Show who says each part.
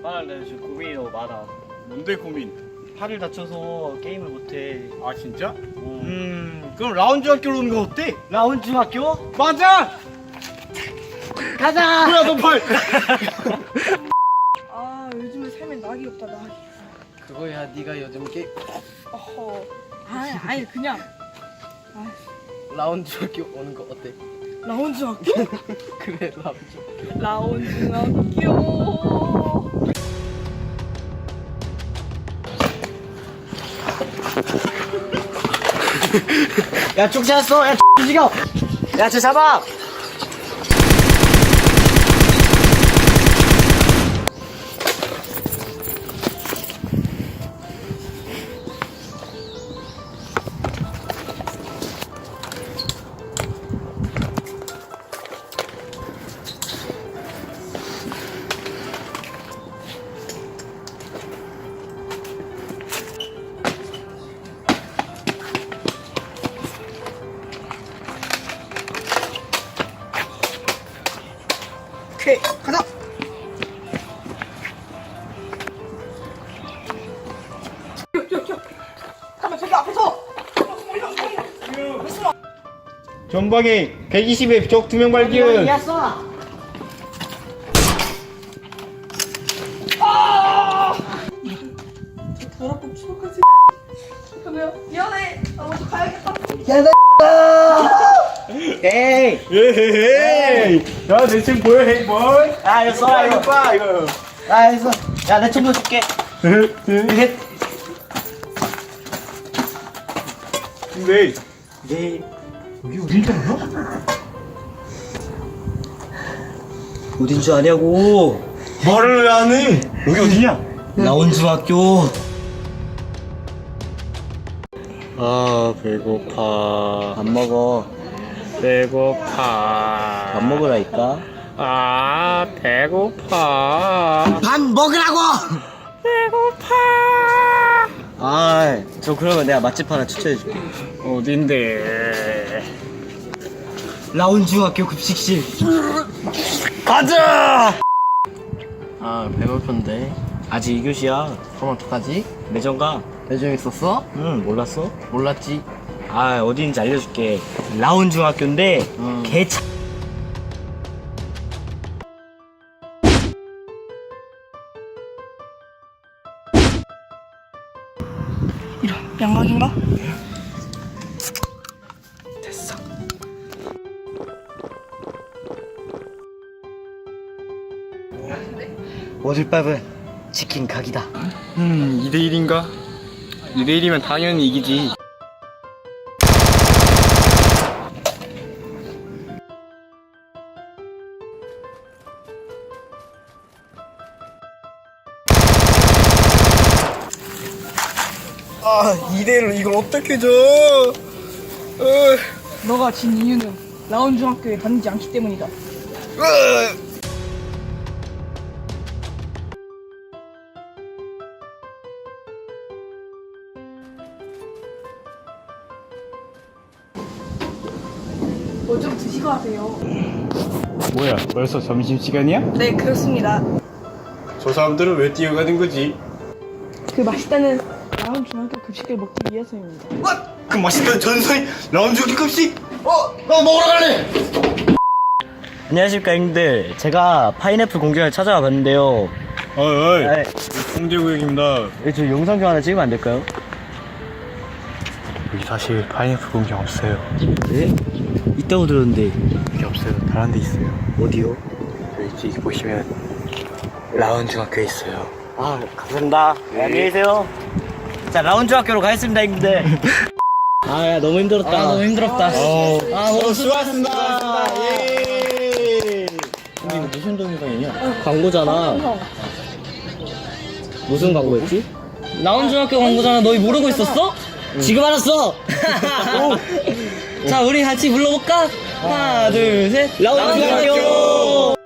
Speaker 1: 아, 나 지금 고민이 너무 많아.
Speaker 2: 뭔데 고민?
Speaker 1: 팔을 다쳐서 게임을 못해.
Speaker 2: 아 진짜? 그럼 라운지 학교로 오는 거 어때?
Speaker 1: 라운 중학교?
Speaker 2: 맞아!
Speaker 1: 가자!
Speaker 2: 뭐야 너 팔!
Speaker 3: 아 요즘에 삶에 낙이 없다 낙이.
Speaker 4: 그거야 네가 요즘
Speaker 3: 어허. 아니 그냥
Speaker 4: 라운지 학교 오는 거 어때?
Speaker 3: 라운지 학교?
Speaker 4: 그래 라운지
Speaker 3: 라운지 학교.
Speaker 1: 야, 쭉 잡았어! 야, 죽여! 야, 쟤 잡아!
Speaker 3: 오케이 가자. 잠깐만 저기 앞에서.
Speaker 2: 전방에 120에 적 2명 발견.
Speaker 1: 야, 쏴!
Speaker 3: 더럽고 추억한 새. 그러면 미안해. 나 먼저 가야겠다.
Speaker 1: 에이!
Speaker 2: 에헤헤이! 야, 내 책 보여, 헤이볼?
Speaker 1: 아, 이거 써라,
Speaker 2: 이거
Speaker 1: 이거.
Speaker 2: 봐, 이거.
Speaker 1: 아, 이거 써. 야, 내 총도 줄게. 이게.
Speaker 2: 근데
Speaker 1: 네.
Speaker 2: 여기 어딘지알아?
Speaker 1: 어딘 줄 아냐고.
Speaker 2: 말을 왜 안 해? 여기 어디냐?
Speaker 1: 라운 중학교.
Speaker 2: 아, 배고파.
Speaker 1: 밥 먹어.
Speaker 2: 배고파.
Speaker 1: 밥 먹으라니까.
Speaker 2: 아, 배고파.
Speaker 1: 밥 먹으라고!
Speaker 2: 배고파.
Speaker 1: 아, 저 그러면 내가 맛집 하나 추천해줄게.
Speaker 2: 어딘데?
Speaker 1: 라운 중학교 급식실.
Speaker 2: 가자!
Speaker 4: 아 배고픈데
Speaker 1: 아직 2교시야.
Speaker 4: 그럼 어떡하지?
Speaker 1: 매점 가.
Speaker 4: 내중 있었어?
Speaker 1: 응, 몰랐어?
Speaker 4: 몰랐지.
Speaker 1: 아, 어디인지 알려줄게. 라운 중학교인데, 개차.
Speaker 3: 이런 양각인가?
Speaker 1: 됐어. 오늘밥은 치킨 각이다.
Speaker 2: 2대1인가? 2대1이면 당연히 이기지. 아, 2대1로 이걸 어떻게 줘?
Speaker 3: 너가 진 이유는 라운지 학교에 다니지 않기 때문이다. 뭐 좀 드시고 하세요.
Speaker 2: 뭐야, 벌써 점심시간이야?
Speaker 3: 네 그렇습니다.
Speaker 2: 저 사람들은 왜 뛰어가는 거지?
Speaker 3: 그 맛있다는 라운지 중학교 급식을 먹기 위해서입니다.
Speaker 2: 그 맛있던 전설이 라운지 급식? 나 먹으러 갈래!
Speaker 1: 안녕하십니까, 형들. 제가 파인애플 공장을 찾아와 봤는데요.
Speaker 2: 어이,
Speaker 1: 아,
Speaker 2: 홍대구역입니다.
Speaker 1: 저 영상 좀 하나 찍으면 안 될까요?
Speaker 2: 여기 사실 파인애플 공장 없어요.
Speaker 1: 네? 있다고 들었는데.
Speaker 2: 여기 없어요. 다른 데 있어요.
Speaker 1: 어디요?
Speaker 2: 여기 보시면 라운 중학교에 있어요.
Speaker 1: 아, 감사합니다. 네, 안녕히 계세요. 자, 라운 중학교로 가겠습니다, 형들. 아, 야, 너무 힘들었다. 너무 힘들었다. 너무
Speaker 2: 수고하셨습니다. 예.
Speaker 1: 근데 이거 무슨 동영상이냐? 광고잖아. 무슨 광고였지? 라운 중학교 광고잖아. 너희 모르고 있었어? 지금 알았어. 자, 우리 같이 불러볼까? 하나, 둘, 셋. 라운 중학교.